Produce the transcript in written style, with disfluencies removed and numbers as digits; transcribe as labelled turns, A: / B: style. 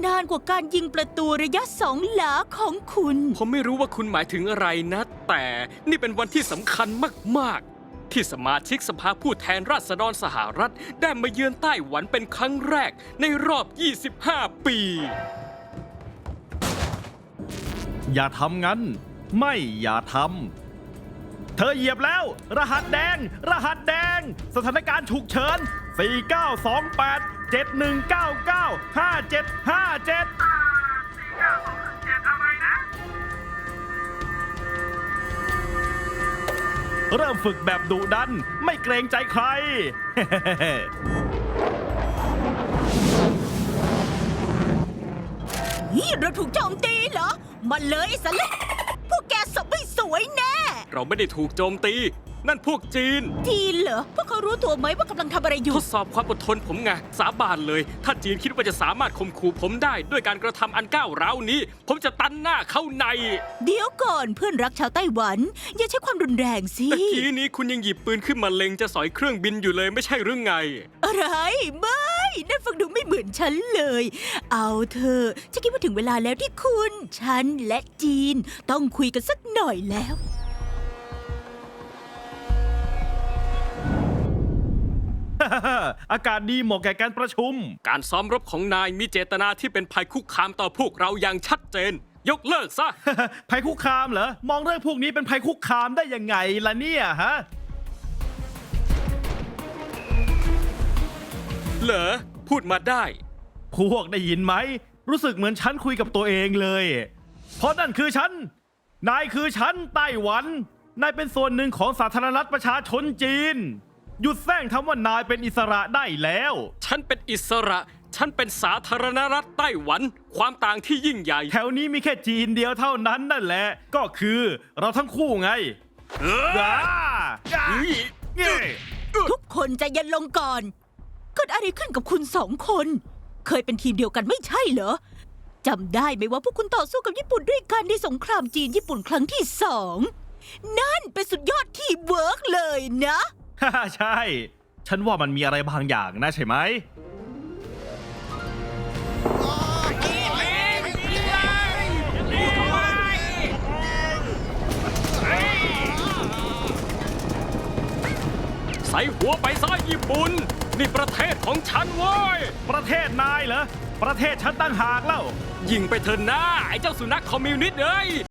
A: นานกว่าการยิงประตูระยะ2 หลาของคุณ
B: ผมไม่รู้ว่าคุณหมายถึงอะไรนะ แต่นี่เป็นวันที่สำคัญมากๆ ที่สมาชิกสภาผู้แทนราษฎรสหรัฐได้มาเยือนไต้หวันเป็นครั้งแรกในรอบ 25 ปี
C: อย่าทำงั้น ไม่อย่าทำ เธอเหยียบแล้ว รหัสแดง รหัสแดง สถานการณ์ฉุกเฉิน 4928 7199 5757 เริ่มฝึกแบบดุดัน ไม่เกรงใจใคร
A: นี่เราถูกโจมตีเหรอ มาเลยสเละพวกแกสบไม่สวยแน่
B: เราไม่ได้ถูกโจมตี นั่นพวกจีน
A: จีนเหรอ พวกเขารู้ตัวไหมว่ากำลังทำอะไรอยู่
B: ทดสอบความอดทนผมไงสาบานเลย ถ้าจีนคิดว่าจะสามารถข่มขู่ผมได้ด้วยการกระทำอันก้าวร้าวนี้ ผมจะตันหน้าเข้าใน
A: เดี๋ยวก่อนเพื่อนรักชาวไต้หวัน อย่าใช้ความรุนแรงสิ
B: ตะกี้นี้คุณยังหยิบปืนขึ้นมาเล็งจะสอยเครื่องบินอยู่เลยไม่ใช่หรือไง
A: อะไรไม่นั่นฟังดูไม่เหมือนฉันเลย เอาเถอะฉันคิดว่าถึงเวลาแล้วที่คุณ ฉันและจีนต้องคุยกันสักหน่อยแล้ว
C: อากาศดีเหมาะแก่การประชุม
B: การซ้อมรบของนายมีเจตนาที่เป็นภัยคุกคามต่อพวกเราอย่างชัดเจน ยกเลิกซะ
C: ภัยคุกคามเหรอ มองเรื่องพวกนี้เป็นภัยคุกคามได้ยังไงล่ะเนี่ยฮะ
B: เหรอ พูดมาได้
C: พวกได้ยินไหม รู้สึกเหมือนฉันคุยกับตัวเองเลย เพราะนั่นคือฉัน นายคือฉันไต้หวัน นายเป็นส่วนหนึ่งของสาธารณรัฐประชาชนจีน หยุดแซงคำว่านายเป็นอิสระได้แล้ว
B: ฉันเป็นอิสระ ฉันเป็นสาธารณรัฐไต้หวัน ความต่างที่ยิ่งใหญ่
C: แถวนี้มีแค่จีนเดียวเท่านั้นนั่นแหละ ก็คือเราทั้งคู่ไง อ่า
A: ทุกคนใจเย็นลงก่อนเกิดอะไรขึ้นกับคุณ2 คน เคยเป็นทีมเดียวกันไม่ใช่เหรอจำได้ไหมว่าพวกคุณต่อสู้กับญี่ปุ่นด้วยกันในสงครามจีนญี่ปุ่นครั้งที่2นั่นเป็นสุดยอดทีมเวิร์กเลยนะ
C: ฮ่าใช่ ฉันว่ามันมีอะไรบางอย่างนะใช่ไหม
B: ใส่หัวไปซ้ายญี่ปุ่น นี่ประเทศของฉันเว้ย
C: ประเทศนายเหรอ ประเทศฉันตั้งหากแล้ว
B: ยิงไปเถอะหน้าไอ้เจ้าสุนัขคอมมิวนิสต์เอ้ย